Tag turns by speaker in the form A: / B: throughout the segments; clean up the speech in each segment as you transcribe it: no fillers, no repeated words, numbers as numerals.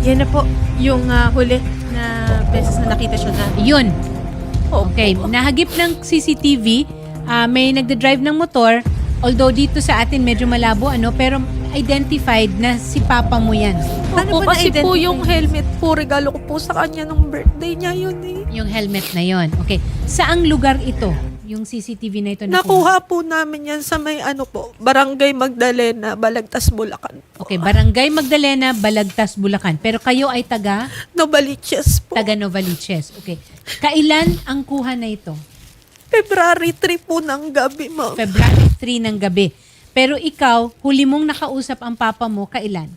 A: Yan na po yung huli na beses na nakita siya na.
B: Yun.
A: Opo.
B: Okay. Nahagip ng CCTV, may nagda-drive ng motor. Although dito sa atin medyo malabo, pero identified na si papa mo yan.
A: Ano
C: Opo,
A: ba
C: kasi po
A: na-identify?
C: yung helmet po, regalo ko po sa kanya nung birthday niya yun eh.
B: Yung helmet na yon. Okay. Saang lugar ito? Yung CCTV na ito
C: Nakuha po namin yan sa may Barangay Magdalena, Balagtas, Bulacan.
B: Okay, Barangay Magdalena, Balagtas, Bulacan. Pero kayo ay taga
C: Novaliches po.
B: Novaliches. Okay. Kailan ang kuha na ito?
C: February 3 po ng gabi, ma'am.
B: February 3 ng gabi. Pero ikaw, huli mong nakausap ang papa mo, kailan?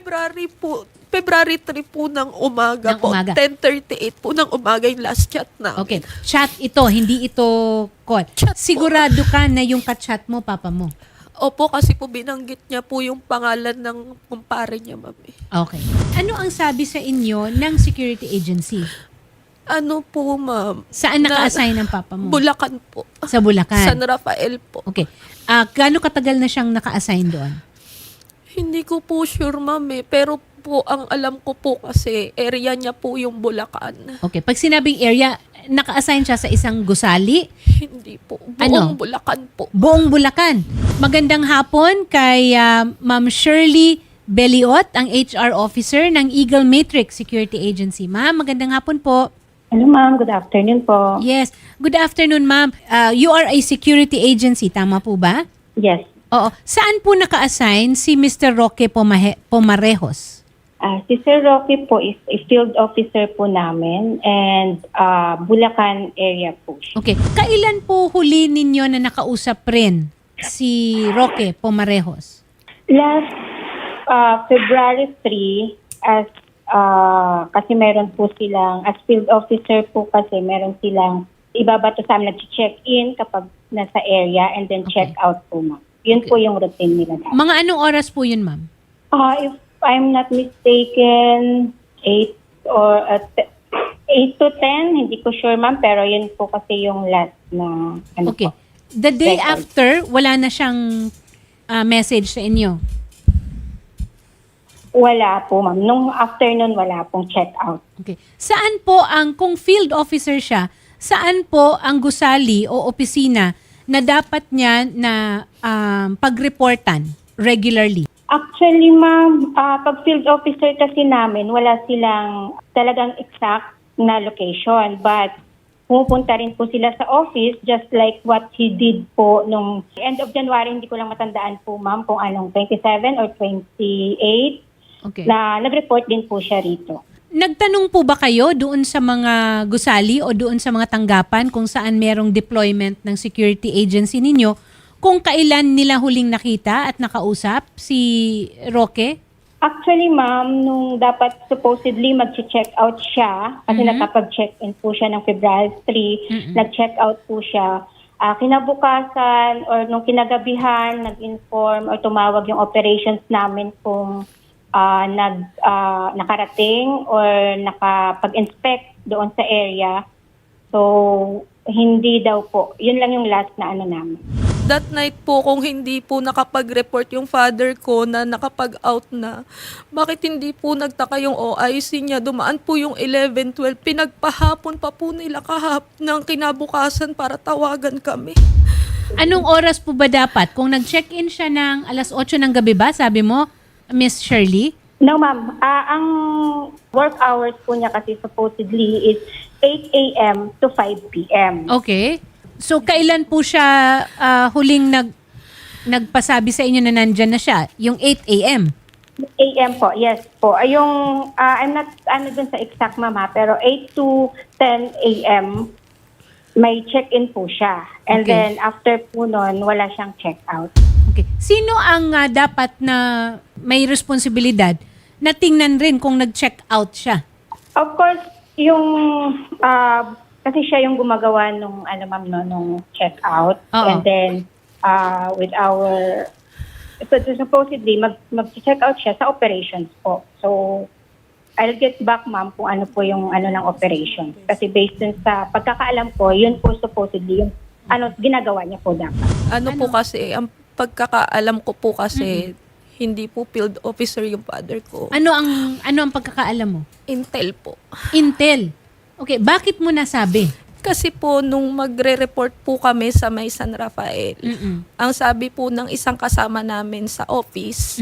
C: February 3 po ng umaga
B: Ng
C: po.
B: umaga.
C: 10:38 po ng umaga yung last chat na.
B: Okay. Chat ito, hindi ito call.
C: Chat po.
B: Sigurado ka na yung ka-chat mo, papa mo.
C: Opo, kasi po binanggit niya po yung pangalan ng kumpare niya, ma'am.
B: Okay. Ano ang sabi sa inyo ng security agency?
C: Ano po, ma'am?
B: Saan naka-assign ang papa mo?
C: Bulacan po.
B: Sa Bulacan.
C: San Rafael po.
B: Okay. Gaano katagal na siyang naka-assign doon?
C: Hindi ko po sure, ma'am eh. Pero po, ang alam ko po kasi, area niya po yung Bulacan.
B: Okay. Pag sinabing area, naka-assign siya sa isang gusali?
C: Hindi po. Buong
B: Ano?
C: Bulacan po.
B: Buong Bulacan. Magandang hapon kay Ma'am Shirley Beliot, ang HR officer ng Eagle Matrix Security Agency. Ma'am, magandang hapon po.
D: Hello ma'am, good afternoon po.
B: Yes. Good afternoon, ma'am. You are a security agency, tama po ba?
D: Yes,
B: Oo. Saan po naka-assign si Mr. Roque Pomarejos?
D: si Sir Rocky po is a field officer po namin and Bulacan area po siya.
B: Okay. Kailan po huli ninyo na nakausap rin si Roque Pomarejos?
D: Last February 3, as kasi meron po silang, as field officer po kasi meron silang ibabato sa amin, nag-check-in kapag nasa area and then
B: Okay.
D: check out po ma'am. Yun po yung routine nila.
B: Mga anong oras po yun, ma'am?
D: If I'm not mistaken, 8 to 10, hindi ko sure ma'am, pero yun po kasi yung last na
B: Okay.
D: po.
B: The day
D: Check out.
B: after, wala na siyang message sa inyo?
D: Wala po ma'am. Nung afternoon, wala pong check out.
B: Okay. Saan po kung field officer siya, saan po ang gusali o opisina na dapat niya na pagreportan regularly?
D: Actually ma'am, pag field officer kasi namin, wala silang talagang exact na location. But pumupunta rin po sila sa office just like what he did po nung end of January, hindi ko lang matandaan po ma'am kung anong 27 or 28
B: Okay.
D: na nag-report din po siya rito.
B: Nagtanong po ba kayo doon sa mga gusali o doon sa mga tanggapan kung saan merong deployment ng security agency ninyo kung kailan nila huling nakita at nakausap si Roque?
D: Actually, ma'am, nung dapat supposedly mag-check out siya, kasi nakapag-check-in po siya ng February 3, nag-check out po siya. Kinabukasan or nung kinagabihan, nag-inform or tumawag yung operations namin kung nakarating or nakapag-inspect doon sa area. So, hindi daw po. Yun lang yung last na namin.
C: That night po, kung hindi po nakapag-report yung father ko na nakapag-out na, bakit hindi po nagtaka yung OIC niya? Dumaan po yung 11-12. Pinagpahapon pa po nila ng kinabukasan para tawagan kami.
B: Anong oras po ba dapat? Kung nag-check-in siya ng alas 8 ng gabi ba, sabi mo, Miss Shirley?
D: No, ma'am. Ang work hours po niya kasi supposedly is 8 a.m. to 5 p.m.
B: Okay. So, kailan po siya huling nagpasabi sa inyo na nandyan na siya? Yung 8 a.m.?
D: A.m. po, yes po. Yung, I'm not dun sa exact ma'am ha, pero 8 to 10 a.m. may check-in po siya. And
B: Okay.
D: then after po nun, wala siyang check-out.
B: Okay. Sino ang dapat na may responsibilidad na tingnan rin kung nag-check out siya?
D: Of course, yung kasi siya yung gumagawa nung ma'am no, nung check-out.
B: Oo.
D: And then with our supposedly mag-check out siya sa operations po. So I'll get back ma'am kung ano po yung ng operations. Kasi based dun sa pagkakaalam ko, yun po supposedly yung ginagawa niya po dapat.
C: Ano po kasi, ang pagkakaalam ko po kasi, Hindi po field officer yung father ko.
B: Ano ang pagkakaalam mo?
C: Intel po.
B: Intel. Okay, bakit mo nasabi?
C: Kasi po, nung magre-report po kami sa may San Rafael, ang sabi po ng isang kasama namin sa office,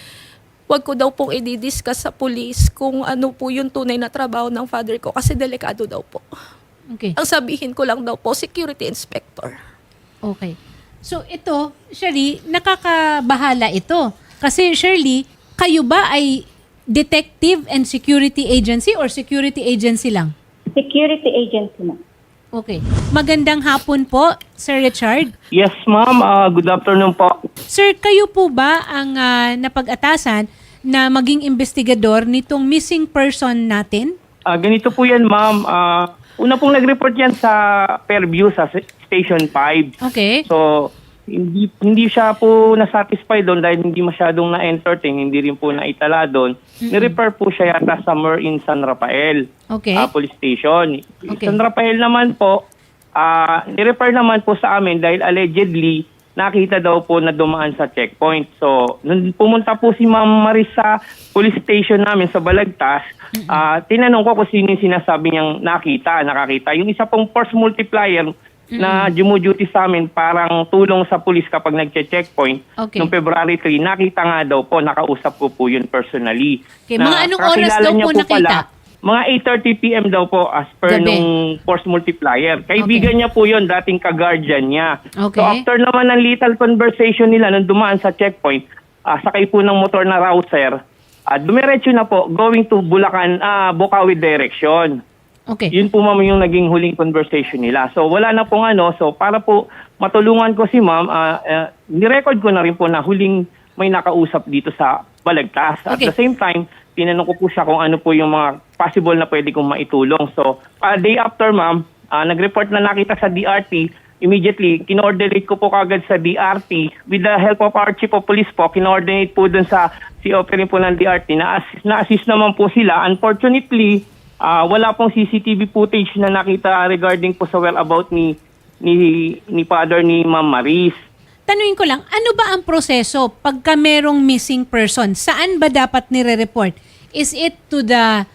C: wag ko daw pong i-discuss sa police kung ano po yung tunay na trabaho ng father ko kasi delikado daw po.
B: Okay.
C: Ang sabihin ko lang daw po, security inspector.
B: Okay. So ito, Shirley, nakakabahala ito. Kasi Shirley, kayo ba ay detective and security agency or security agency lang?
D: Security agency na.
B: Okay. Magandang hapon po, Sir Richard.
E: Yes, ma'am. Good afternoon po.
B: Sir, kayo po ba ang napag-atasan na maging investigador nitong missing person natin?
E: Ganito po yan, ma'am. Una pong nag-report yan sa Fairview sa Station 5.
B: Okay.
E: So, hindi siya po nasatisfy doon dahil hindi masyadong na-entertain, hindi rin po naitala doon. Ni-refer po siya yata somewhere in San Rafael
B: Okay.
E: Police Station.
B: Okay.
E: San Rafael naman po, ni-refer naman po sa amin dahil allegedly nakita daw po na dumaan sa checkpoint. So, nung pumunta po si Ma'am Maris sa police station namin sa Balagtas, tinanong ko kung sino yung sinasabi niyang nakakita. Yung isa pong force multiplier na dumuduty sa amin parang tulong sa police kapag nagche-checkpoint.
B: Okay.
E: Noong February 3, nakita nga daw po, nakausap ko po yun personally.
B: Okay, mga anong oras
E: kakilala
B: daw
E: niya
B: po nakita?
E: Mga 8:30 p.m. daw po as per
B: Gabi.
E: nung force multiplier. Kaibigan niya po yun, dating ka-guardian niya.
B: Okay.
E: So after naman ng little conversation nila nung dumaan sa checkpoint, sakay po ng motor na rouser, dumiretso na po going to Bulacan, Bukawi direction.
B: Okay.
E: Yun po ma'am yung naging huling conversation nila. So wala na pong so para po matulungan ko si ma'am, nirecord ko na rin po na huling may nakausap dito sa Balagtas. At
B: Okay.
E: the same time, tinanong ko po siya kung ano po yung mga possible na pwede kong maitulong. So, day after ma'am, nag-report na nakita sa DRT, immediately, kinoordinate ko po kagad sa DRT with the help of our Chief of Police po, kinoordinate po dun sa COP rin po ng DRT, na-assist naman po sila. Unfortunately, wala pong CCTV footage na nakita regarding po sa whereabout ni father ni Ma'am Maris.
B: Tanungin ko lang, ano ba ang proseso pagka merong missing person? Saan ba dapat nire-report? Is it to the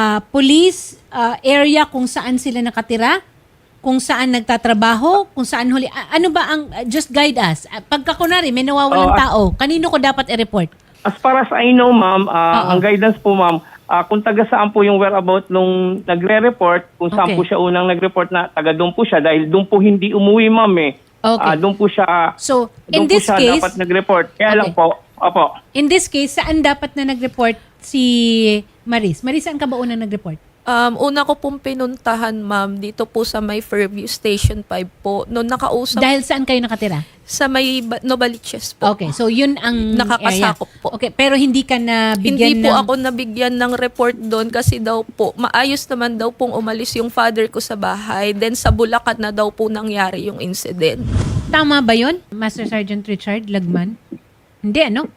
B: police area kung saan sila nakatira? Kung saan nagtatrabaho? Kung saan huli? Ano ba ang, just guide us. Pagka kunwari, may nawawalang tao, kanino ko dapat i-report?
E: As far as I know, ma'am, ang guidance po, ma'am, kung taga saan po yung whereabout nung nagre-report, kung saan
B: Okay.
E: po siya unang nag-report na taga doon po siya, dahil doon po hindi umuwi, ma'am,
B: Okay.
E: Doon po siya,
B: So, in
E: doon po
B: this
E: siya
B: case,
E: dapat nag-report. Kaya lang
B: Okay.
E: po, opo.
B: in this case, saan dapat na nag-report si Maris? Maris, saan ka ba unang nag-report?
C: Una ko pong pinuntahan, ma'am, dito po sa may Fairview Station 5 po. Noon nakausap
B: Dahil saan kayo nakatira?
C: sa may Novaliches po.
B: Okay, so yun ang
C: Nakakasakop
B: area.
C: po.
B: Okay, pero hindi ka nabigyan
C: Hindi po
B: ng...
C: ako nabigyan ng report doon kasi daw po, maayos naman daw pong umalis yung father ko sa bahay. Then sa Bulacan na daw po nangyari yung incident.
B: Tama ba yun, Master Sergeant Richard Lagman? Hindi, ano?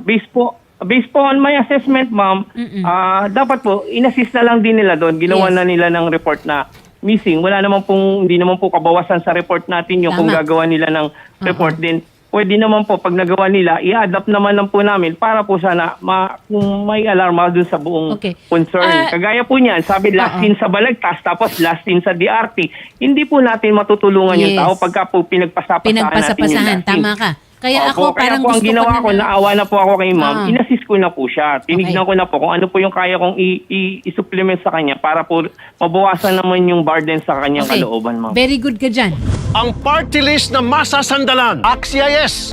E: Based po on my assessment, ma'am, dapat po, inassist na lang din nila doon. Ginawa
B: Yes.
E: na nila ng report na missing. Hindi naman po kabawasan sa report natin yung kung
B: Tama.
E: gagawa nila ng report din. Pwede naman po, pag nagawa nila, i-adapt naman lang po namin para po sana kung may alarma doon sa buong
B: Okay.
E: concern. Kagaya po niyan, sabi last in sa Balagtas, tapos last in sa DRT. Hindi po natin matutulungan yung
B: Yes.
E: tao pagka po pinagpasapasahan natin yung
B: Pinagpasapasahan,
E: last in.
B: tama ka. Kaya ako parang
E: kaya po ang
B: gusto
E: ginawa
B: ko
E: ko, naawa na po ako kay ma'am,
B: Ah.
E: inassist ko na po siya. Tinignan
B: Okay.
E: ko na po kung ano po yung kaya kong i-supplement sa kanya para po mabawasan naman yung burden sa kanyang
B: Okay.
E: kalooban, ma'am.
B: Very good ka dyan.
F: Ang party list na masasandalan. Axia yes.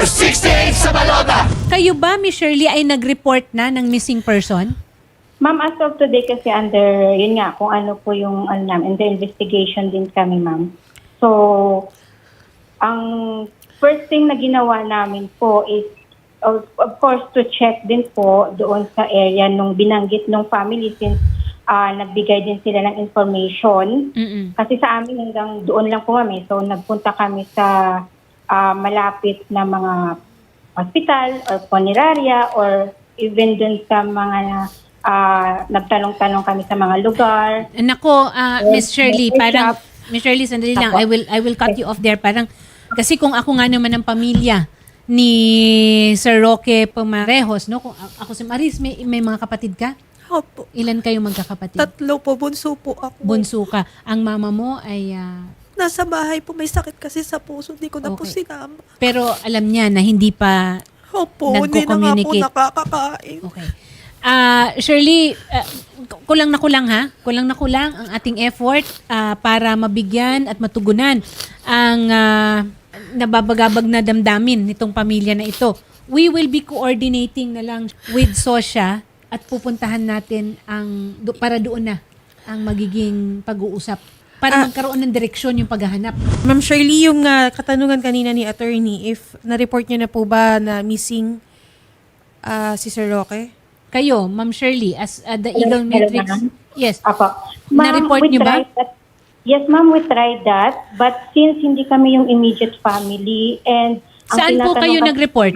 B: Kayo ba, Miss Shirley, ay nag-report na ng missing person?
D: Ma'am, as of today kasi under, yun nga, kung ano po yung, namin, under investigation din kami, ma'am. So, ang first thing na ginawa namin po is, of course, to check din po doon sa area nung binanggit nung family since nagbigay din sila ng information. Kasi sa amin hanggang doon lang po kami. So, nagpunta kami sa malapit na mga hospital or funeraria or even dun sa mga nagtanong-tanong kami sa mga lugar.
B: Nako, Miss Shirley,
D: Yes,
B: parang
D: yes.
B: Miss Shirley, sandali lang.
D: Apo.
B: I will cut you off there. Parang kasi kung ako nga naman ng pamilya ni Sir Roque Pumarejos, no? Kung ako si Maris, may mga kapatid ka?
C: Opo.
B: Ilan kayo magkakapatid?
C: 3 po, bunso po ako.
B: Bunso ka. Ang mama mo ay
C: Nasa bahay po, may sakit kasi sa puso. Hindi ko na po
B: Okay.
C: sinama.
B: pero alam niya na hindi pa
C: Opo, hindi na nga po
B: Nagko-communicate.
C: nakakakain.
B: okay. Shirley, kulang na kulang ha. Kulang na kulang ang ating effort para mabigyan at matugunan ang nababagabag na damdamin nitong pamilya na ito. We will be coordinating na lang with SOSYA at pupuntahan natin para doon na ang magiging pag-uusap para magkaroon ng direksyon yung paghahanap.
G: Ma'am Shirley, yung katanungan kanina ni attorney, if na-report niyo na po ba na missing si Sir Roque?
B: Kayo, Ma'am Shirley, as the Eagle
D: Hello,
B: Matrix.
D: ma'am.
B: Yes.
D: Apo.
B: Na-report
D: we
B: niyo ba?
D: tried that. Yes, ma'am, we tried that. But since hindi kami yung immediate family and ang
B: Saan po
D: tinatanong
B: kayo
D: kasi-
B: nag-report?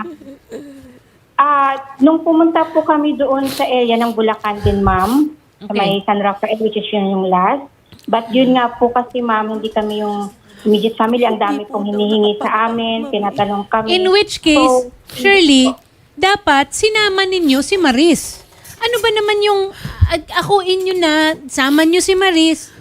D: Nung pumunta po kami doon sa area ng Bulacan din, ma'am, sa
B: Okay.
D: may San Rafael, which is yun yung last. But yun nga po kasi, ma'am, hindi kami yung immediate family. Ang dami pong hinihingi sa amin, tinatanong kami.
B: In which case,
D: So,
B: Shirley, dapat sinama ninyo si Maris. Ano ba naman yung akuin nyo na sama nyo si Maris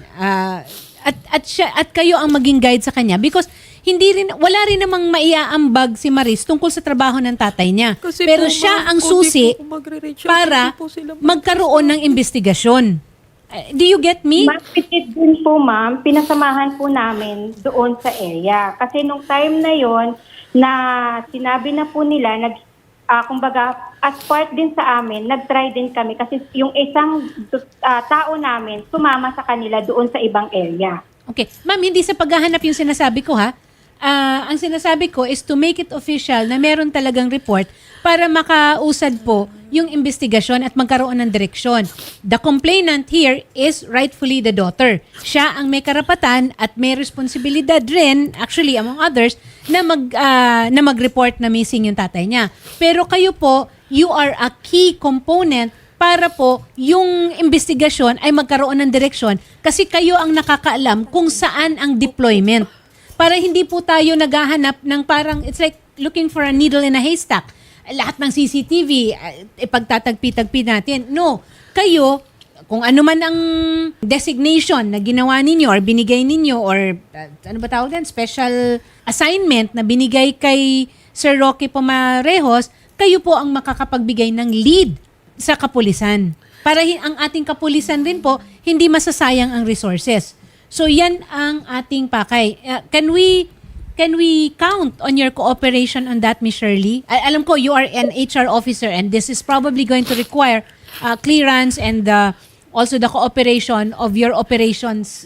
B: at kayo ang maging guide sa kanya because wala rin namang maiaambag si Maris tungkol sa trabaho ng tatay niya.
C: Kasi
B: Pero
C: po,
B: siya
C: ma'am,
B: ang
C: kung
B: susi
C: di po ako magre-reach out,
B: para
C: hindi po sila
B: magkaroon ng investigasyon. Do you get me?
D: Mapitid din po, ma'am, pinasamahan po namin doon sa area. Kasi nung time na yon na sinabi na po nila, kumbaga, as part din sa amin, nag-try din kami kasi yung isang tao namin sumama sa kanila doon sa ibang area.
B: Okay. Ma'am, hindi sa paghahanap yung sinasabi ko ha. Ang sinasabi ko is to make it official na meron talagang report para makausad po yung investigasyon at magkaroon ng direksyon. The complainant here is rightfully the daughter. Siya ang may karapatan at may responsibilidad rin, actually among others, na mag-report na missing yung tatay niya. Pero kayo po, you are a key component para po yung investigasyon ay magkaroon ng direksyon kasi kayo ang nakakaalam kung saan ang deployment. Para hindi po tayo naghahanap ng parang, it's like looking for a needle in a haystack. Lahat ng CCTV, ipagtatagpi-tagpi natin. No, kayo, kung ano man ang designation na ginawa ninyo or binigay ninyo or ano ba tawag din, special assignment na binigay kay Sir Roque Pumarejos, kayo po ang makakapagbigay ng lead sa kapulisan. Para ang ating kapulisan rin po, hindi masasayang ang resources. So yan ang ating pakay. Can we count on your cooperation on that, Ms. Shirley? Alam ko you are an HR officer and this is probably going to require clearance and also the cooperation of your operations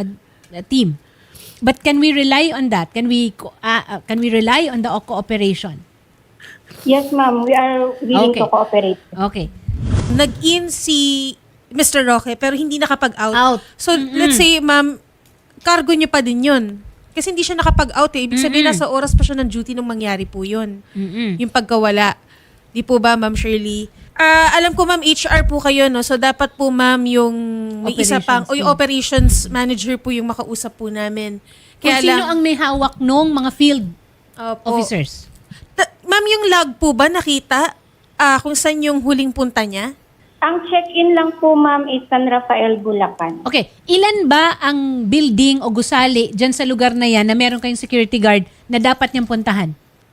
B: team. But can we rely on that? Can we rely on the cooperation?
D: Yes, ma'am, we are willing
B: Okay.
D: to cooperate.
B: Okay.
G: Nag-in si Mr. Roque pero hindi nakapag-out.
B: Out.
G: So, let's say, ma'am, cargo niyo pa din yun. Kasi hindi siya nakapag-out eh. Ibig sabihin, nasa oras pa siya ng duty nung mangyari po yun. Yung pagkawala. Di po ba, Ma'am Shirley? Alam ko, Ma'am, HR po kayo, no? So, dapat po, Ma'am, yung may isa pang,
B: Operations
G: o yung operations manager po yung makausap po namin.
B: Kung sino ang may hawak nung mga field
G: Opo.
B: officers?
G: Ma'am, yung log po ba nakita kung saan yung huling punta niya?
D: Ang check-in lang po, ma'am, is San Rafael, Bulacan.
B: Okay, ilan ba ang building o gusali dyan sa lugar na yan na meron kayong security guard na dapat niyang puntahan?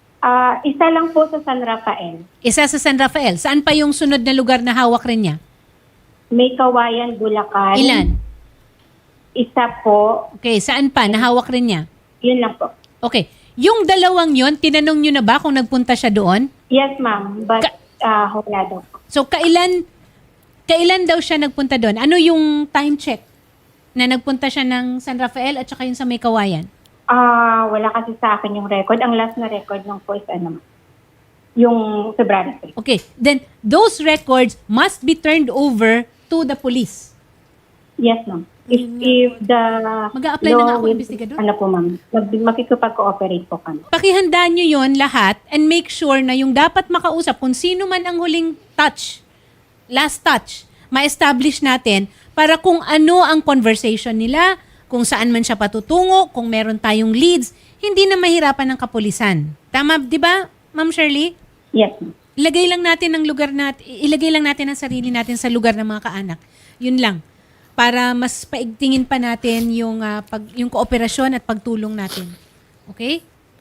D: Isa lang po sa San Rafael.
B: Isa sa San Rafael. Saan pa yung sunod na lugar na hawak rin niya?
D: May Kawayan, Bulacan.
B: Ilan?
D: Isa po.
B: Okay, saan pa? Nahawak rin niya?
D: Yun lang po.
B: Okay. Yung dalawang yon, tinanong niyo na ba kung nagpunta siya doon?
D: Yes, ma'am. But wala daw po.
B: So, kailan daw siya nagpunta doon? Ano yung time check na nagpunta siya ng San Rafael at saka yung sa May Kawayan?
D: Wala kasi sa akin yung record. Ang last na record ng po is yung February 3.
B: Okay. Then, those records must be turned over to the police.
D: Yes, ma'am. If the
B: Mag-a-apply na nga ako,
D: will-
B: investigador.
D: Ano po, ma'am? Makikipag-cooperate po kami.
B: Pakihandaan nyo yon lahat and make sure na yung dapat makausap, kung sino man ang huling touch, last touch, ma-establish natin para kung ano ang conversation nila, kung saan man siya patutungo, kung meron tayong leads, hindi na mahirapan ng kapulisan. Tama, di ba, Ma'am Shirley?
D: Yes, ma'am.
B: Ilagay lang natin ang sarili natin sa lugar ng mga kaanak. Yun lang. Para mas paigtingin pa natin yung yung kooperasyon at pagtulong natin. Okay?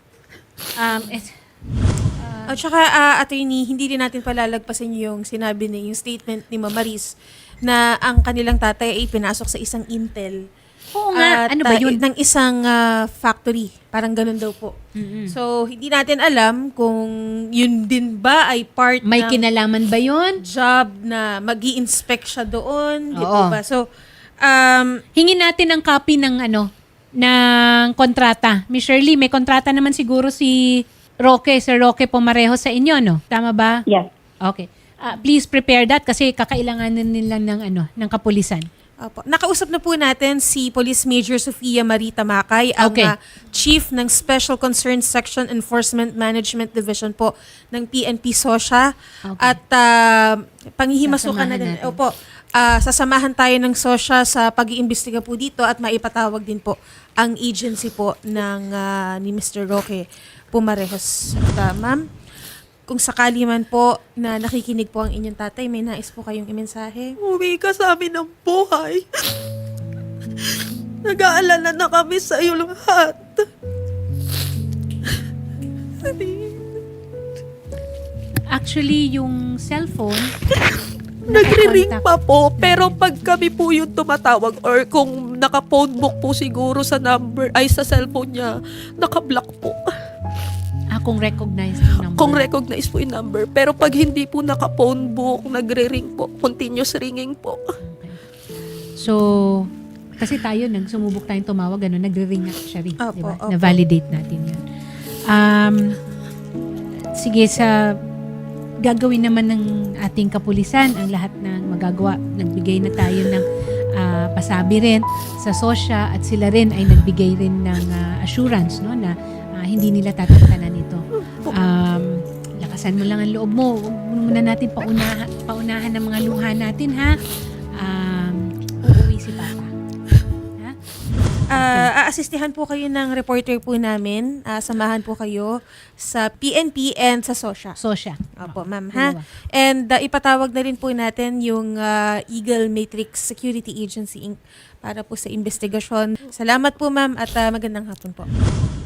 G: At saka, attorney, hindi rin natin palalagpasin yung sinabi yung statement ni Ma'am Maris na ang kanilang tatay ay pinasok sa isang Intel.
B: Oo nga.
G: At,
B: Ano ba yun?
G: ng isang factory. Parang ganun daw po. So, hindi natin alam kung yun din ba ay part
B: May
G: ng
B: kinalaman ba yun?
G: job na mag-i-inspect siya doon. Di
B: Oo.
G: po ba? So,
B: Hingin natin ang copy ng ng kontrata. Miss Shirley, may kontrata naman siguro si Sir Roque Pumarejo sa inyo, no? Tama ba?
D: Yes.
B: Okay. Please prepare that kasi kakailanganin nila ng kapulisan.
G: Opo. Nakausap na po natin si Police Major Sofia Marita Makay, ang
B: Okay.
G: Chief ng Special Concerns Section Enforcement Management Division po ng PNP SOSHA.
B: Okay.
G: At panghihimasukan na din.
B: Sasamahan natin.
G: Opo. Sasamahan tayo ng SOSHA sa pag-iimbestiga po dito at maipatawag din po ang agency po ng ni Mr. Roque Pumarejos. At, ma'am, kung sakali man po na nakikinig po ang inyong tatay, may nais po kayong imensahe?
C: Uwi ka sa amin ng buhay. Nag-aalala na kami sa iyo lahat.
B: Actually, yung cellphone,
C: Nagre-ring
B: nakakontak.
C: pa po, pero pag kami po yung tumatawag or kung naka-phone book po siguro sa number, ay sa cellphone niya, naka-block po.
B: Kung recognized yung number.
C: Kung recognize po yung number. Pero pag hindi po naka-phone book, nagre-ring po, continuous ringing po.
B: So, kasi tayo, sumubok tayong tumawag, nagre-ring actually.
G: Opo,
B: Diba?
G: opo.
B: Na-validate natin yun. Sige, gagawin naman ng ating kapulisan ang lahat ng magagawa. Nagbigay na tayo ng pasabi rin sa SOSHA at sila rin ay nagbigay rin ng assurance, no, na hindi nila tatantanan ito. Lakasan mo lang ang loob mo. Huwag muna natin paunahan ng mga luha natin, ha? Uuwi si Papa. Ha?
G: Aasistihan po kayo ng reporter po namin. Samahan po kayo sa PNP and sa SOSHA.
B: SOSHA.
G: Opo, ma'am, ha?
B: Dalawa.
G: And ipatawag na rin po natin yung Eagle Matrix Security Agency Inc. para po sa investigasyon. Salamat po, ma'am, at magandang hapon po.